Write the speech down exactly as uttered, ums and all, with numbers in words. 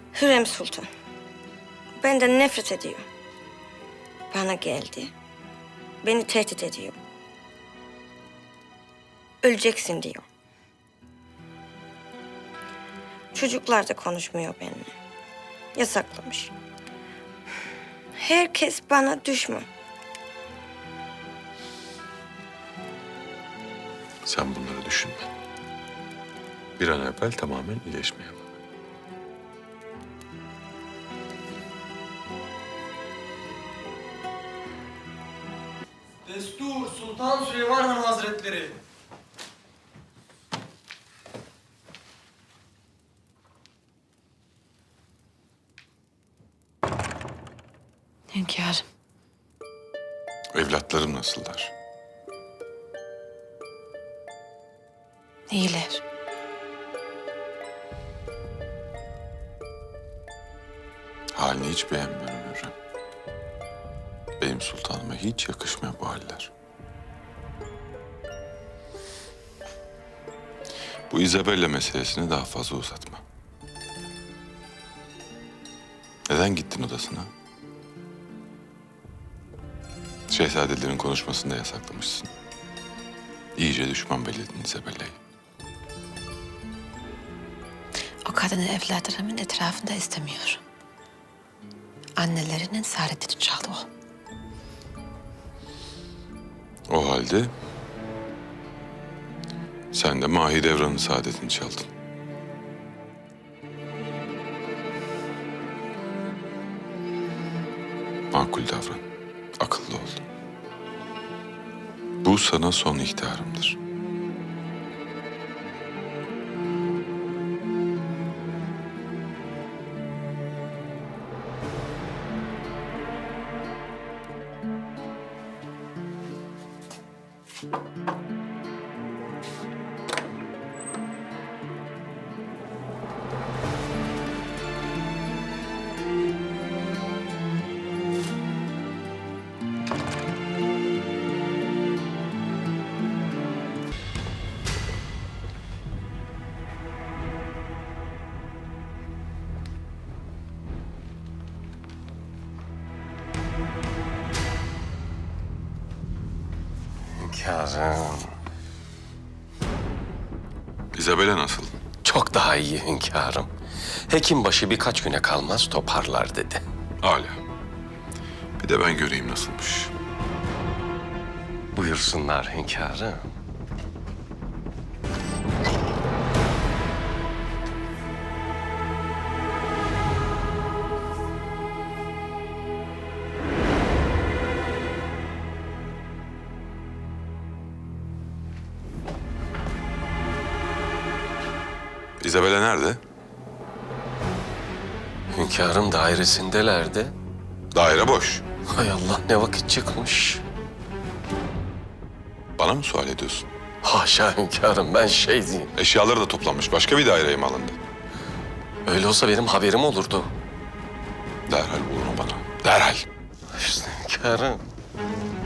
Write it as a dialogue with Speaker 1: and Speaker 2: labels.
Speaker 1: Hürrem Sultan benden nefret ediyor. Bana geldi. Beni tehdit ediyor. Öleceksin diyor. Çocuklar da konuşmuyor benimle. Yasaklamış. Herkes bana düşman.
Speaker 2: Sen bunları düşünme. Bir an evvel tamamen iyileşmeye bak.
Speaker 3: Destur Sultan Süleyman Han Hazretleri.
Speaker 4: Hünkârım.
Speaker 2: Evlatlarım nasıllar?
Speaker 4: İyiler.
Speaker 2: Halini hiç beğenmiyorum Hürrem. Benim sultanıma hiç yakışmıyor bu haller. Bu Isabella meselesini daha fazla uzatma. Neden gittin odasına? Şehzadelerin konuşmasını da yasaklamışsın. İyice düşman belledin Isabella'yı.
Speaker 4: O kadını evlatlarımın etrafında istemiyorum. Annelerinin saadetini çaldı o.
Speaker 2: O halde sen de Mahidevran'ın saadetini çaldın. Makul davran, akıllı ol. Bu sana son ihtarımdır.
Speaker 5: Hünkârım.
Speaker 2: Isabella nasıl?
Speaker 5: Çok daha iyi hünkârım. Hekimbaşı birkaç güne kalmaz toparlar dedi.
Speaker 2: Âlâ. Bir de ben göreyim nasılmış.
Speaker 5: Buyursunlar hünkârım.
Speaker 2: Isabella nerede?
Speaker 5: Hünkârım dairesindelerdi.
Speaker 2: Daire boş.
Speaker 5: Hay Allah, ne vakit çıkmış.
Speaker 2: Bana mı sual ediyorsun?
Speaker 5: Haşa hünkârım, ben şey diyeyim.
Speaker 2: Eşyaları da toplanmış. Başka bir daireye mi alındı?
Speaker 5: Öyle olsa benim haberim olurdu.
Speaker 2: Derhal bul onu bana. Derhal.
Speaker 5: İşte hünkârım.